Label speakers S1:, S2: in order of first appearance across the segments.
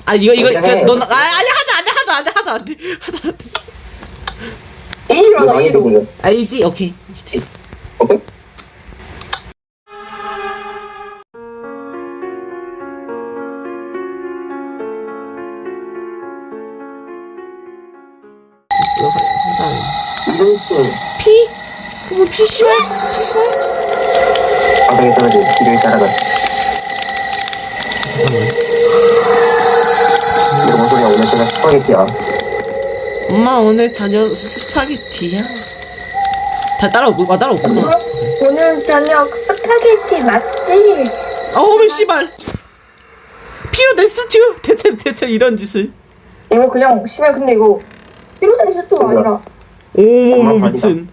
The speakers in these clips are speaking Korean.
S1: 아 이거 넌 아니 하도 안 돼.
S2: A로 하자, A로.
S1: 알지? 오케이.
S2: 오케이? 이동치.
S1: 피? 뭐 피시발?
S2: 바닥에 떨어져 길을 따라가시. 이거 뭔 소리야? 오늘 저녁 스파게티야.
S1: 엄마 오늘 저녁 스파게티야. 다 따라오구나.
S3: 오늘 저녁 스파게티 맞지?
S1: 어머 씨발. 피로 내 스튜. 대체 이런 짓을.
S3: 이거 그냥 씨발 근데 이거 피로다이 수트가 아니라
S1: 오 미친.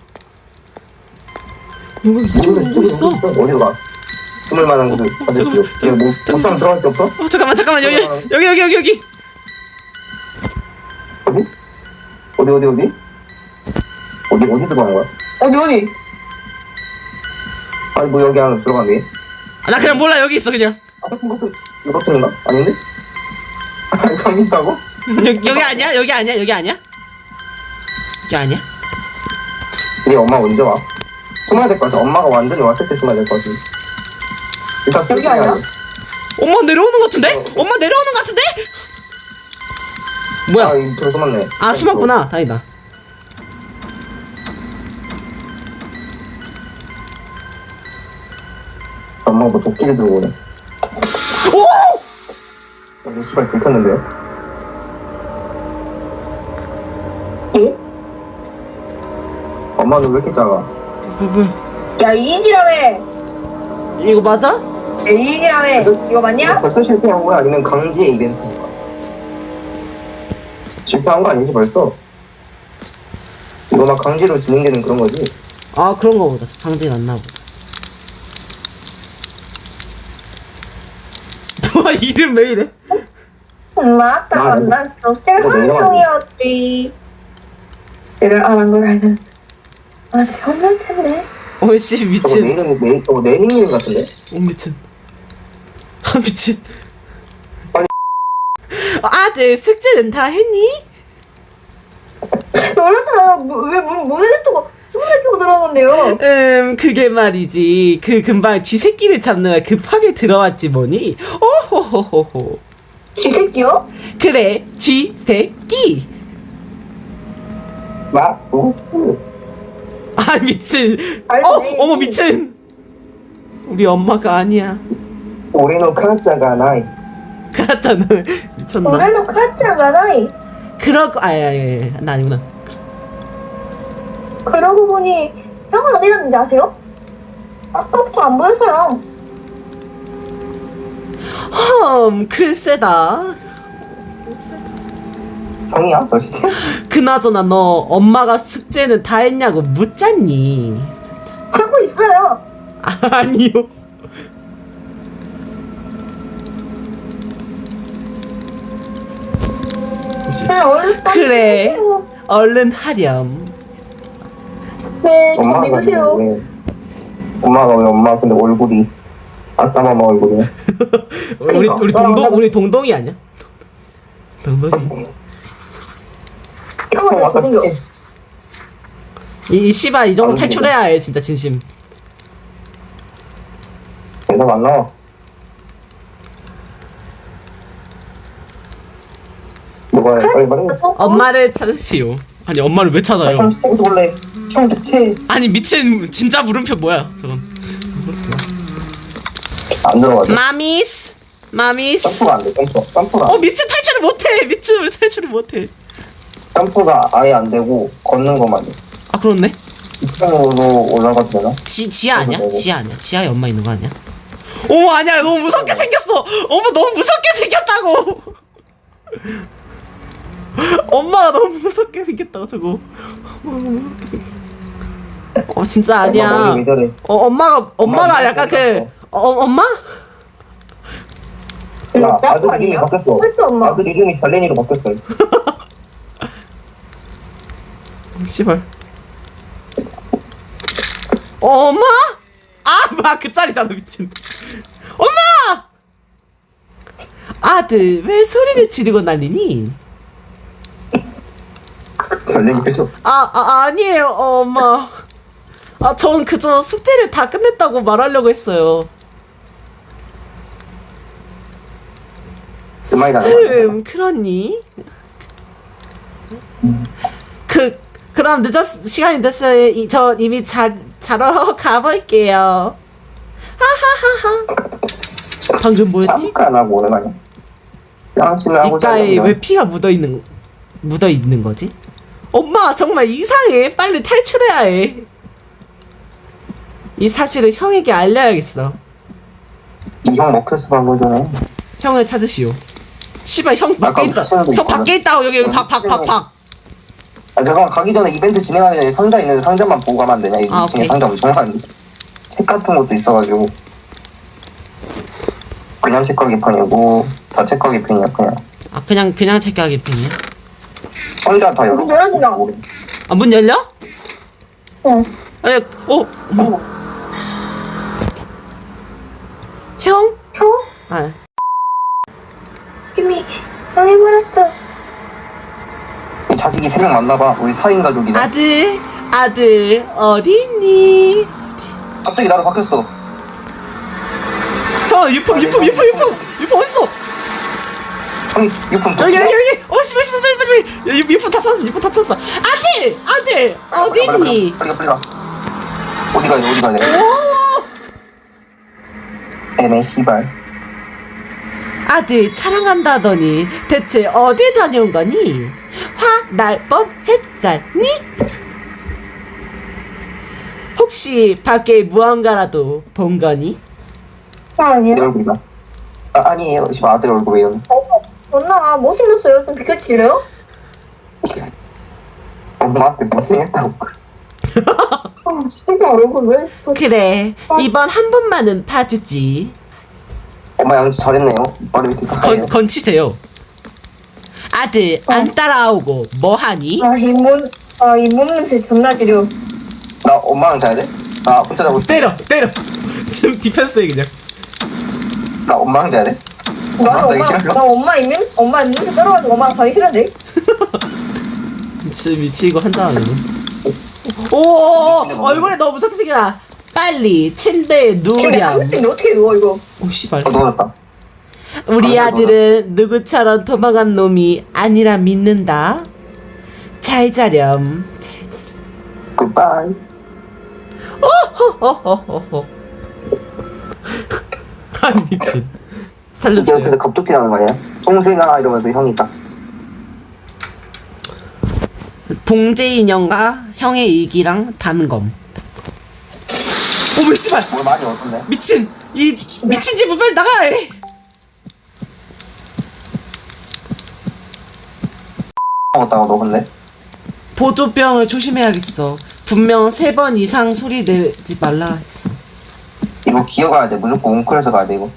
S1: 누가 이쪽으로 오고 있어?
S2: 어디로 가? 숨을 만한 곳을 찾으시오. 이거 뭐 옷장 들어갈 데 없어?
S1: 잠깐만 여기.
S2: 어디 들어가는 거야?
S3: 어디?
S2: 아니 뭐 여기 안에 들어가네.
S1: 아, 나 그냥 몰라 여기 있어 그냥.
S2: 아 이거 버튼인가? 아닌데? 아니 거기 있다고?
S1: 여기 아니야? 여기 아니야?
S2: 우리 엄마 언제 와? 숨어야 될 것 같아. 엄마가 완전히 왔을 때 숨어야 될 것 같아. 일단
S3: 여기 아니야?
S1: 엄마 내려오는 것 같은데? 엄마 내려오는 것 같은데? 뭐야?
S2: 아 이거 숨었네.
S1: 아 숨었구나. 다행이다.
S2: 엄마가 뭐 도끼를 들고 오네.
S1: 오!
S2: 여기 씨발 들켰는데요?
S3: 에?
S2: 엄마는 왜 이렇게 작아?
S1: 뭐야?
S3: 야 이인이라며
S1: 이거 맞아?
S3: 야 이인이라며 이거 맞냐?
S2: 벌써 실패한 거야? 아니면 강제의 이벤트인가? 실패한 거 아니지 벌써? 이거 막 강제로 진행되는 그런 거지?
S1: 아 그런 거 보다. 상징 안 나보다. 와 이름 왜 이래?
S3: 맞다 난 덕질 함성이었지 내가 안 한 걸 알면 변할 텐데
S1: 어이씨
S2: 저거
S1: 미친.
S2: 내 닉네임 같은데?
S1: 미친. 아 미친.
S2: 빨리.
S1: 아들 숙제는 다 했니?
S3: 놀라서 왜 문을 냅두고 숨을 냅두고 들어갔는데요
S1: 그게 말이지. 그 금방 쥐새끼를 잡느라 급하게 들어왔지 뭐니? 오호호호호.
S3: 쥐새끼요?
S1: 그래, 쥐새끼.
S2: 마우스.
S1: 아 미친.
S3: 알지.
S1: 어머 미친. 우리 엄마가 아니야.
S2: 우리는 카자가 나이.
S1: 그렇잖아. 미쳤나?
S3: 올해도 카트가 나이
S1: 그러고 아야야야 나 아니구나.
S3: 그러고 보니 형은 어디 갔는지 아세요? 아까부터 안 보였어요
S1: 글쎄다.
S2: 형이야? 너 진짜?
S1: 그나저나 너 엄마가 숙제는 다 했냐고 묻잖니?
S3: 하고 있어요
S1: 아니요.
S3: 얼른
S1: 그래.
S3: 해주세요.
S1: 얼른 하렴.
S3: 네, 저
S2: 엄마가
S3: 믿으세요
S2: 왜? 엄마가 왜 엄마 근데 얼굴이 아싸마마 얼굴이야?
S1: 우리 동동이 아니야? 동동이.
S3: 형은 왜 죽은겨?
S1: 이 씨발 이 정도 탈출해야 해 진짜 진심.
S2: 대답 안 나와. 뭐가 빨리 말해.
S1: 엄마를 찾으시오. 아니 엄마를 왜 찾아요?
S2: 형 스테이크 볼래? 형 대체
S1: 아니 미친 진짜 물음표 뭐야 저건.
S2: 안 들어가죠?
S1: 마미스.
S2: 점프가 안 돼. 점프가
S1: 미친 탈출을 못해. 미친 왜 탈출을 못해?
S2: 점프가 아예 안 되고 걷는 것만 돼.
S1: 아 그렇네.
S2: 2층으로 올라가도 되나?
S1: 지하 아니야? 지하에 엄마 있는 거 아니야? 어머 아니야 너무 무섭게 생겼어. 어머 너무 무섭게 생겼다고. 엄마가 너무 무섭게 생겼다고 저거. 진짜 아니야.
S2: 머리 왜 저래?
S1: 엄마가
S2: 엄마
S1: 약간
S2: 머리
S1: 엄마?
S2: 야, 아들 이름이 바뀌었어.
S3: 그렇죠, 엄마.
S2: 아들 이름이 달래니로 바뀌었어.
S1: 씨발. 엄마? 아, 그 짤이잖아, 미친. 엄마! 아들, 왜 소리를 지르고 난리니?
S2: 별내기 빼줘.
S1: 아니에요, 엄마. 전 그저 숙제를 다 끝냈다고 말하려고 했어요.
S2: 스마일 하는
S1: 그러니? 그럼 시간이 됐어요. 저 이미 자러 가볼게요. 하하하하. 방금 뭐였지?
S2: 잠깐 하고 오는 거 아니야? 양치는 하고
S1: 이가에 왜 피가 묻어 있는 거지? 엄마 정말 이상해. 빨리 탈출해야 해. 이 사실을 형에게 알려야겠어.
S2: 이형 먹혔어 방금 전에.
S1: 형을 찾으시오. 씨발 형 밖에 있다. 형 밖에 있다고. 여기 박.
S2: 아 잠깐만 가기 전에 이벤트 진행하기 전에 상자 있는데 상자만 보고 가면 안 되냐? 이 2층에
S1: 오케이.
S2: 상자 엄청 많은데 책 같은 것도 있어가지고 그냥 책가게판이고 다 책가게판이야 그냥.
S1: 그냥 택하기 편이야.
S2: 상자 다 열어.
S3: 문 열어준다.
S1: 문 열려?
S3: 응.
S1: 아니, 뭐. 형?
S3: 형? 이미 당해버렸어.
S2: 이 자식이 3명 만나봐. 우리 4인 가족이다.
S1: 아들, 어디 있니?
S2: 갑자기 나로 바뀌었어.
S1: 형, 유품 어딨어?
S2: 형이 유품
S1: 여기. 씨발, 빨리. 유품 다 찾았어. 아들, 어디 있니?
S2: 빨리 가. 어디 가야 돼?
S1: 오!
S2: 애매 씨발.
S1: 아들, 촬영한다더니 대체 어딜 다녀온 거니? 화 날 뻔했잖니? 혹시 밖에 무언가라도 본 거니?
S3: 아니요.
S2: 내 얼굴이다. 아니에요. 씨발 아들 얼굴이에요.
S3: 엄마 못생겼어요. 좀 비켜줄래요?
S2: 엄마한테 못생겼다고.
S3: 진짜 얼굴 왜?
S1: 그래, 이번 한 번만은 봐주지.
S2: 엄마 양치 잘했네요. 머리 이렇게 깎아요.
S1: 건치세요. 아들, 안 따라오고 뭐하니?
S3: 잇몸 냄새 존나 지려.
S2: 나 엄마랑 자야 돼? 나 혼자 자고 싶어.
S1: 때려. 지금 디펜스해 그냥.
S2: 나 엄마랑 자야 돼? 자기 싫어요?
S3: 나 엄마 입냄새 쩔어가지고 엄마랑 자기 싫은데?
S1: 미치고 한다는. 오, 얼굴에 너무 무섭게 생겼다. 빨리 침대에 누우렴.
S3: 근데 어떻게 누워 이거?
S1: 오 씨발.
S2: 넣어놨다.
S1: 우리 아들은 누구처럼 도망간 놈이 아니라 믿는다. 잘 자렴.
S2: 굿바이.
S1: 호호호호호. 아니 미친.
S2: 이제 옆에서
S1: 살려주세요.
S2: 갑툭튀 나는 거 아니야? 송생아 이러면서 형이 딱.
S1: 봉제 인형과 형의 일기랑 단검. 오메 씨발.
S2: 뭘 많이 얻었네.
S1: 미친. 이 미친 집은 빨리 나가.
S2: 먹었다고 너 근데?
S1: 보조병을 조심해야겠어. 분명 3번 이상 소리 내지 말라 했어.
S2: 이거 기어가야 돼. 무조건 웅크려서 가야 돼 이거.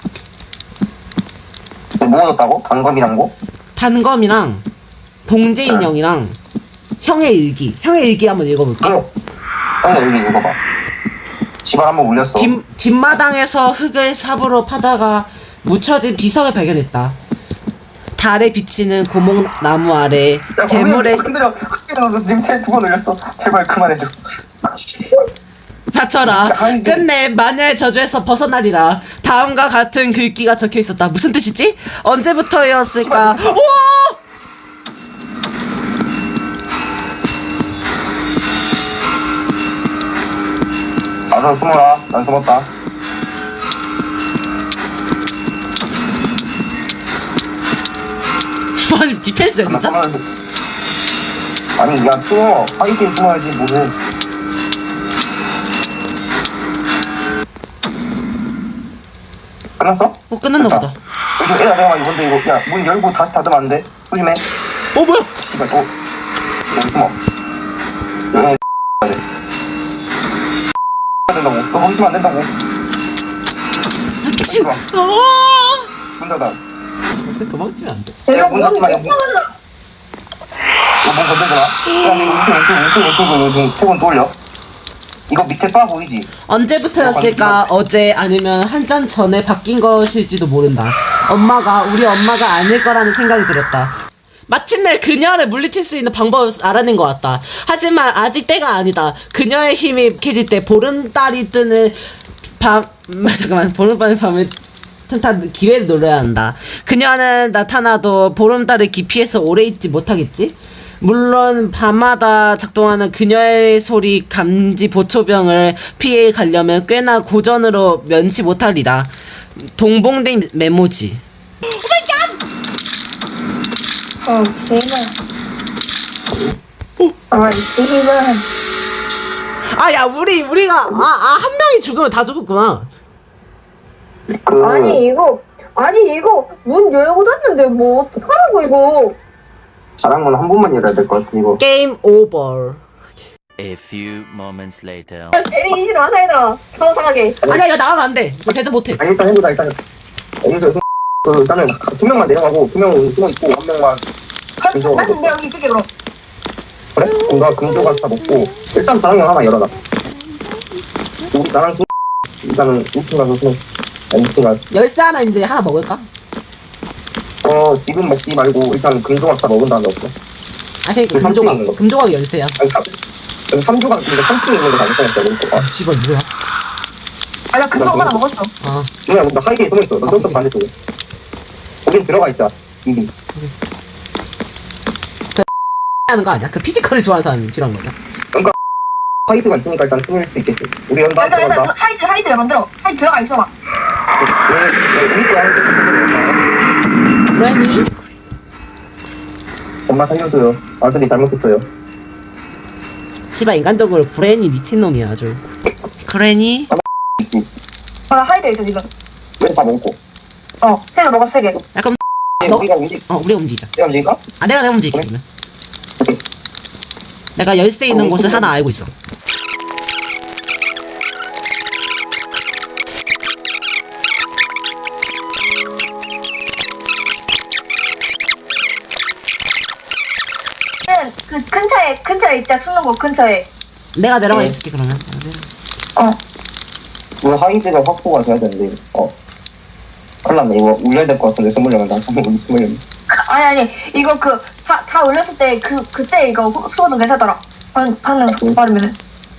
S2: 뭐 얻었다고? 단검이랑 뭐?
S1: 단검이랑 봉제 인형이랑 형의 일기. 형의 일기 한번 읽어볼게.
S2: 형이 여기 읽어봐. 집안 한번 울렸어.
S1: 뒷마당에서 흙을 삽으로 파다가 묻혀진 비석을 발견했다. 달에 비치는 고목나무 아래 대물에
S2: 흔들어 지금 쟤 2번 울렸어. 제발 그만해줘.
S1: 받쳐라. 끝내 마녀의 저주에서 벗어나리라. 다음과 같은 글귀가 적혀 있었다. 무슨 뜻이지? 언제부터였을까? 우와!
S2: 나도 숨어라. 난 숨었다.
S1: 와 지금 디펜스야 진짜?
S2: 아니 야 숨어. 파이팅 숨어야지 뭐해. 끝났어?
S1: 끝났나 보다.
S2: 조심해. 야 내가 이건데 이거 야 문 열고 다시 닫으면 안 돼. 조심해.
S1: 뭐야?
S2: 씨발 여기 숨어. 여기 된다고. 너 거기 있으면 안 된다고.
S1: 미친.
S2: 마.
S1: 아!
S2: 문 닫아.
S1: 근데 도망치면 안 돼.
S3: 제가
S2: 문 닫지 마. 문 건들지 마. 야 근데 우측 지금 세번 또 올려. 이거 밑에 바 보이지?
S1: 언제부터였을까? 어제 아니면 한 잔 전에 바뀐 것일지도 모른다. 우리 엄마가 아닐 거라는 생각이 들었다. 마침내 그녀를 물리칠 수 있는 방법을 알아낸 것 같다. 하지만 아직 때가 아니다. 그녀의 힘이 약해질 때 보름달이 뜨는 보름달의 밤을 틈타 기회를 노려야 한다. 그녀는 나타나도 보름달을 기피해서 오래 있지 못하겠지? 물론 밤마다 작동하는 그녀의 소리 감지 보초병을 피해 가려면 꽤나 고전으로 면치 못하리라. 동봉된 메모지.
S3: 씨발. 씨발.
S1: 야 우리가 한 명이 죽으면 다 죽었구나.
S3: 아니 이거 문 열고 닫는데 뭐 어떡하라고 이거.
S2: 자랑문 한 번만 열어야 될 것 같아 이거.
S1: 게임 오버.
S4: A few moments later.
S3: 에리 이시로 한 사이들아. 서상하게.
S1: 아니야 이거 나가면 안 돼. 이거 대처 못해.
S2: 아니 일단 해보자 일단. 여기서 일단은 2명만 내려가고 2명은 숨어 있고 1명만 금조.
S3: 난 근데 여기 있을게 그럼.
S2: 그래? 그럼 나 금조가 다 먹고 일단 자랑문 하나 열어라. 우리 나랑 일단은 2층 가서 숨어. 2층 가서.
S1: 열쇠 하나 있는데 하나 먹을까?
S2: 지금 먹지 말고 일단 금조각 다 먹은 다음에 없어.
S1: 아니
S2: 그 삼층에 있는 거.
S1: 금조각이 열쇠야.
S2: 아니 여기 3조각 근데 3층에 있는 거다 먹어야겠다.
S1: 씨발 뭐야?
S3: 나 금방 하나 먹었어.
S2: 누나 나 하이게에 숨어있어. 너 저쪽 반대쪽에. 거긴 들어가 있자. 이미.
S1: 하는 거 아니야? 그 피지컬을 좋아하는 사람이 필요한 거냐?
S2: 하이드가 있으니까 일단 숨을 수 있겠지. 우리 연다
S3: 일단
S2: 들어간다.
S3: 하이드 만들어. 하이드 들어가 있어봐.
S2: 우리 거야.
S1: 브레니?
S2: 엄마 살려줘요. 아들이 잘못했어요.
S1: 씨발 인간적으로 브레니 미친놈이야 아주. 그레니?
S3: 나 하이드 있어 지금.
S2: 왜 다 먹고?
S3: 세개 먹었어 3개.
S1: 약간
S2: 우리가 움직여.
S1: 우리가 움직이자.
S2: 내가 움직일까?
S1: 내가 움직일게 그러면. 내가 열쇠 있는 곳을 하나 알고 있어.
S3: 그 근처에 있자. 숨는 곳 근처에.
S1: 내가 내려가 있을게 그러면.
S2: 우리 하이드가 확보가 돼야 되는데. 큰일 났네. 이거 울려야 될 것 같은데 숨으려면 나 숨으려면.
S3: 아니 이거 다 올렸을 때 그때 이거 수호도 괜찮더라. 방금 빠르면은.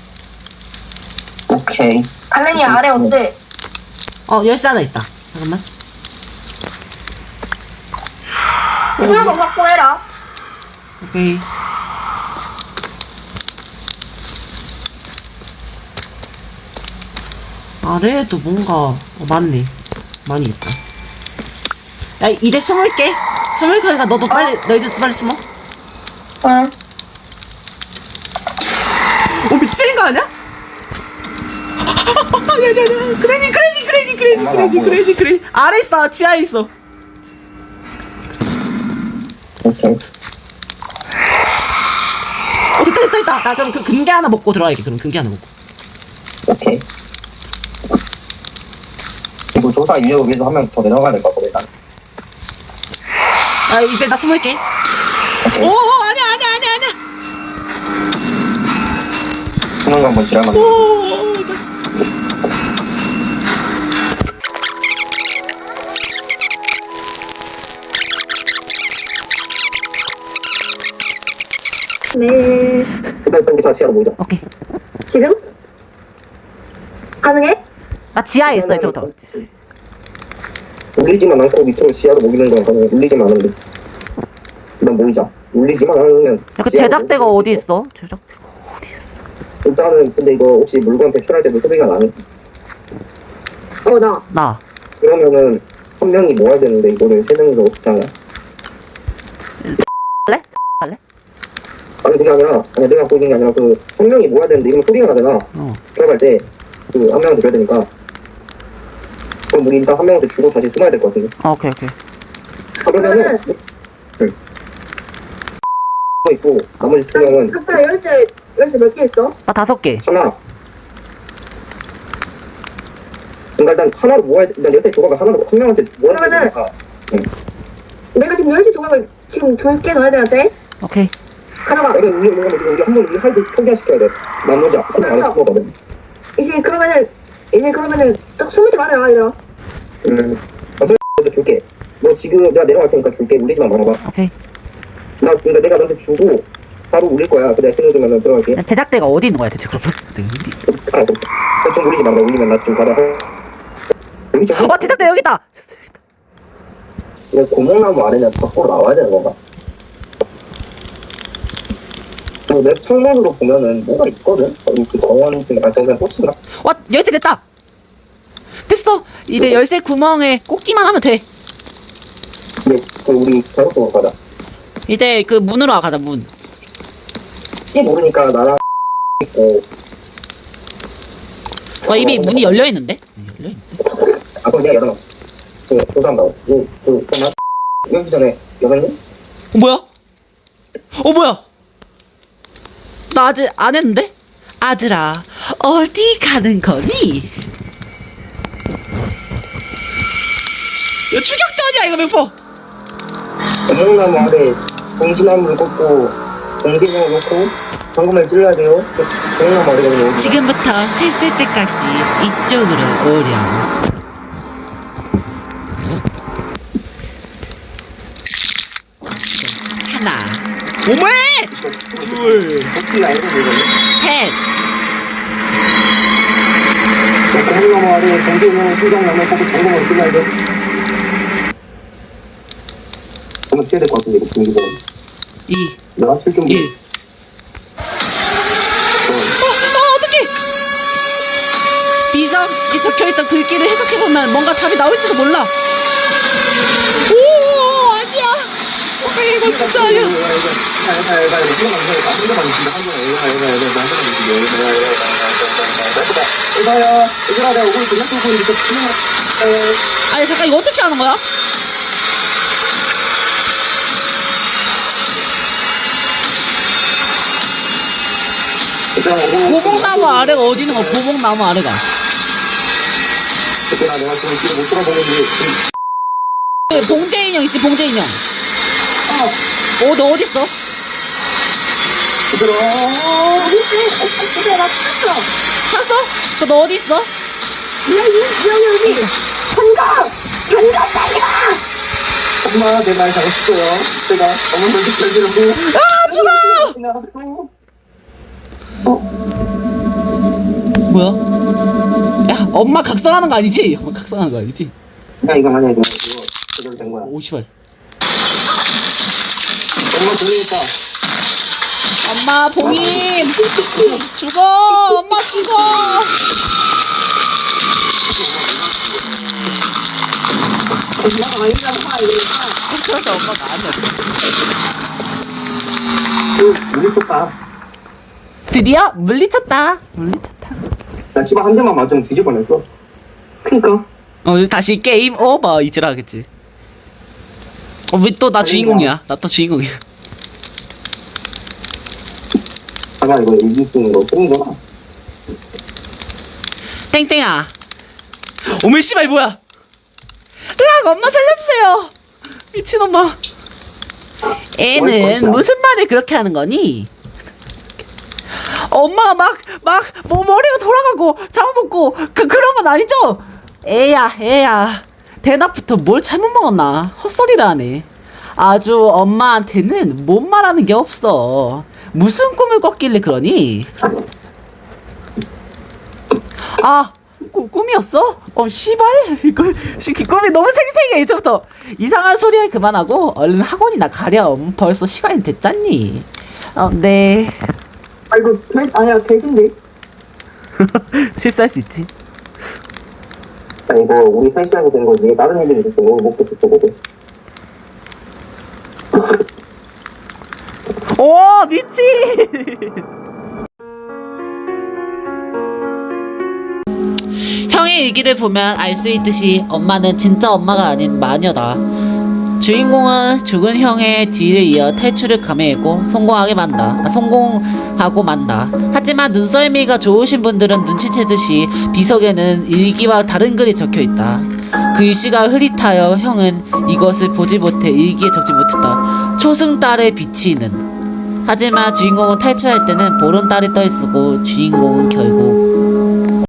S2: 오케이.
S3: 갈렌이 아래 온대.
S1: 열쇠 하나 있다. 잠깐만.
S3: 수호도 확보해라.
S1: 오케이. 아래에도 뭔가 맞네. 많이 있다. 야 이제 숨을게. 숨을 거니까 너희들도 빨리 숨어.
S3: 응.
S1: 미치는 거 아니야? 야야야 그레니 아래 있어. 지하에 있어.
S2: 오케이.
S1: 됐다. 나 그럼 그 금괴 하나 먹고 들어가야겠. 그럼 금괴 하나 먹고.
S2: 오케이. 이거 조사 인력을 위해서 한 명 더 내려가야 될 것 같거든 일단.
S1: 이제 나 숨을게.
S2: 오케이.
S1: 오 아니야.
S2: 숨는 거 한번 지랄만.
S3: 네.
S2: 일단 우리 다 지하로 모이자.
S1: 오케이.
S3: 지금? 가능해?
S1: 나 지하에 있어 이제부터.
S2: 울리지만 않고 밑으로 지하로 모이는 건 가능해. 울리지만 않으면 일단 모이자. 울리지만 않으면
S1: 제작대가 어디 있어?
S2: 일단은 근데 이거 혹시 물건 배출할 때도 소리가 나니?
S1: 나.
S2: 그러면은 한 명이 모아야 되는데 이거를 세 명이서 어떻게 하냐?
S1: 할래?
S2: 아니 그게 아니라 내가 보이는 게 아니라 그 한 명이 모아야 되는데 이러면 소리가 나잖아. 들어갈 때 그 한 명한테 줘야 되니까. 그럼 우리 일단 한 명한테 주고 다시 숨어야 될 것 같은데.
S1: 오케이.
S2: 그러면은 있고 나머지 2명은
S3: 각자 열쇠 몇 개 있어?
S1: 나 5개.
S2: 하나. 그러니까 일단 하나로 모아야 돼. 일단 열쇠 조각을 하나로 한 명한테 모아야 되니까.
S3: 내가 지금 열쇠 조각을 지금 줄게 너희들한테.
S1: 오케이.
S3: 가져가.
S2: 우리 한번 우리 하이드 초기화시켜야 돼. 나머지 앞서면 안에 숨어거든.
S3: 이제 그러면은 딱 숨을 때 말해라 얘들아.
S2: 먼저 줄게. 너 지금 내가 내려갈 테니까 줄게. 울리지만 말아봐.
S5: 오케이.
S2: 그러니까 내가 너한테 주고 바로 울릴 거야. 그 내가 신호 주면 들어갈게.
S5: 제작대가 어디 있는 거야 대체 그러면?
S2: 좀 울리지 말아. 울리면 나 좀 받아. 여기 좀.
S5: 제작대 여기 있다.
S2: 이거 고목나무 아래는 밖으로 나와야 되는 건가? 내 창문으로 보면은 뭐가 있거든? 여기 그 정원 중에 거기가 꽃인가?
S1: 와 열쇠 됐다. 됐어. 이제 열쇠 구멍에 꽂기만 하면 돼.
S2: 근데 그 우리 저쪽으로 가자.
S1: 이제 그 문으로 가자 문.
S2: 혹시 모르니까 나랑 있고.
S1: 와 이미 문이 열려 있는데? 열려 있는데?
S2: 아 그럼 내가 열어놔. 조사한다고. 잠깐만. 여기 전에 열었니?
S1: 뭐야? 뭐야? 나 아직 안 했는데? 아들아 어디 가는 거니? 이거 추격전이야 이거 맹포.
S2: 고목나무 아래 봉지나무를 꽂고 봉지나무 놓고 방금을 찔러야 돼요. 고목나무 아래거든요.
S1: 지금부터 셋 때까지 이쪽으로 오렴. 하나 오메
S2: 혹시 알고 이거는?
S1: 셋
S2: 고목나무 아래 봉지나무 신경나무 꽂고 방금을 찔러야 돼. 한번 찔야 될 것 같은데 이거 분위기가.
S1: 2
S2: 내가 칠 준비.
S1: 1 어떡해 비석 이 적혀있던 글귀를 해석해보면 뭔가 답이 나올지도 몰라. 오 아니야 이거 진짜 아니야.
S2: 얘들아 내가 오고 있어.
S1: 아니 잠깐 이거 어떻게 하는 거야? 고목나무 아래가 어디 있는 거야? 고목나무 아래가
S2: 얘들아 내가 지금 뒤에 못 돌아보는데
S1: 봉제 인형 있지 봉제 인형. 너 어디 있어?
S2: 얘들아
S1: 찾았어? 너 어디 있어?
S2: 엄마 내 말 잘했어요. 제가 어머니한테 잘 들었고
S1: 죽어! 뭐야? 야 엄마 각성하는 거 아니지? 엄마 각성하는 거 아니지?
S2: 야 이거 만약에 내가 이거 제대로 된 거야.
S1: 오 씨발
S2: 엄마 들리겠다.
S1: 엄마 봉인 죽어 엄마 죽어. 그러니까 엄마가 아니야.
S2: 물리쳤다.
S1: 드디어 물리쳤다. 물리쳤다.
S2: 나 씨발 한 대만 맞으면 뒤질 뻔했어. 그니까.
S1: 다시 게임 오버 이지라 하겠지. 왜 또 나 주인공이야? 나 또 주인공이야.
S2: 잠깐 이거 이길 수 있는 거 뽕이잖아.
S1: 땡땡아. 어머 씨발 뭐야? 으악 엄마 살려주세요. 미친 엄마. 애는 무슨 말을 그렇게 하는 거니? 엄마가 뭐 머리가 돌아가고 잡아먹고 그런 건 아니죠? 애야 대낮부터 뭘 잘못 먹었나? 헛소리를 하네. 아주 엄마한테는 못 말하는 게 없어. 무슨 꿈을 꿨길래 그러니? 꿈이었어? 씨발 꿈이 너무 생생해. 이제부터 이상한 소리 그만하고 얼른 학원이나 가렴. 벌써 시간이 됐잖니. 네.
S2: 이거 아니야 개신데.
S1: 실수할 수 있지.
S2: 아니 이거 우리 셋이하게 된 거지. 다른 애들이 있어. 너무 먹고 싶거든.
S1: 오 미치. 형의 일기를 보면 알 수 있듯이 엄마는 진짜 엄마가 아닌 마녀다. 주인공은 죽은 형의 뒤를 이어 탈출을 감행했고 성공하고 만다. 하지만 눈썰미가 좋으신 분들은 눈치채듯이 비석에는 일기와 다른 글이 적혀있다. 글씨가 흐릿하여 형은 이것을 보지 못해 일기에 적지 못했다. 초승달의 비치는. 하지만 주인공은 탈출할 때는 보름달이 떠있었고 주인공은 결국